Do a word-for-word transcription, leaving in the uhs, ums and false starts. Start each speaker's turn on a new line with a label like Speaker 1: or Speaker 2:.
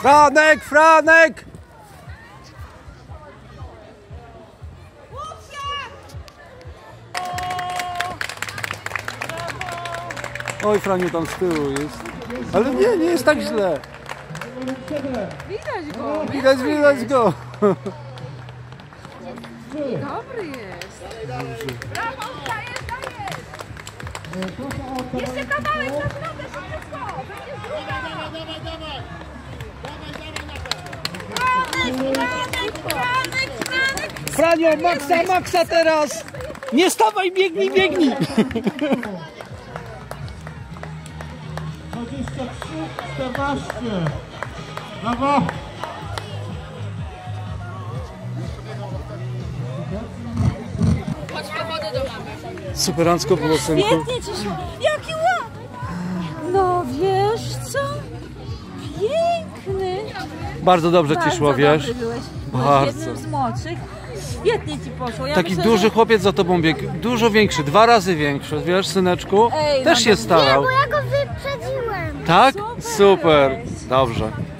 Speaker 1: Franek, Franek! Oj, Franiu tam z tyłu jest. Ale nie, nie jest tak źle.
Speaker 2: Widać go.
Speaker 1: Widać, widać go.
Speaker 2: Dobry jest. Brawo, dajesz, dajesz. Jeszcze kawałek na środek, szybko. Będzie druga. Franek, Franek, Franek, Franek.
Speaker 1: Franio, maksa, maksa teraz! Nie stawaj, biegnij, biegnij!
Speaker 3: dwadzieścia trzy czternaście. Brawo!
Speaker 2: Chodź po wodę do mamy.
Speaker 1: Superancko było, synku.
Speaker 2: Świetnie ci szło. Jaki ładny. No wiesz co? Piękny.
Speaker 1: Bardzo dobrze ci szło, wiesz?
Speaker 2: Dobry byłeś. Byłeś
Speaker 1: Bardzo.
Speaker 2: jednym z młodszych. Świetnie ci poszło. Ja
Speaker 1: Taki
Speaker 2: myślę,
Speaker 1: duży
Speaker 2: że...
Speaker 1: chłopiec za tobą biegł, dużo większy, dwa razy większy, wiesz, syneczku?
Speaker 2: Ej,
Speaker 1: Też
Speaker 2: no
Speaker 1: się
Speaker 2: to-
Speaker 1: starał.
Speaker 4: Bo ja go wyprzedziłem.
Speaker 1: Tak?
Speaker 2: Super.
Speaker 1: Super, dobrze.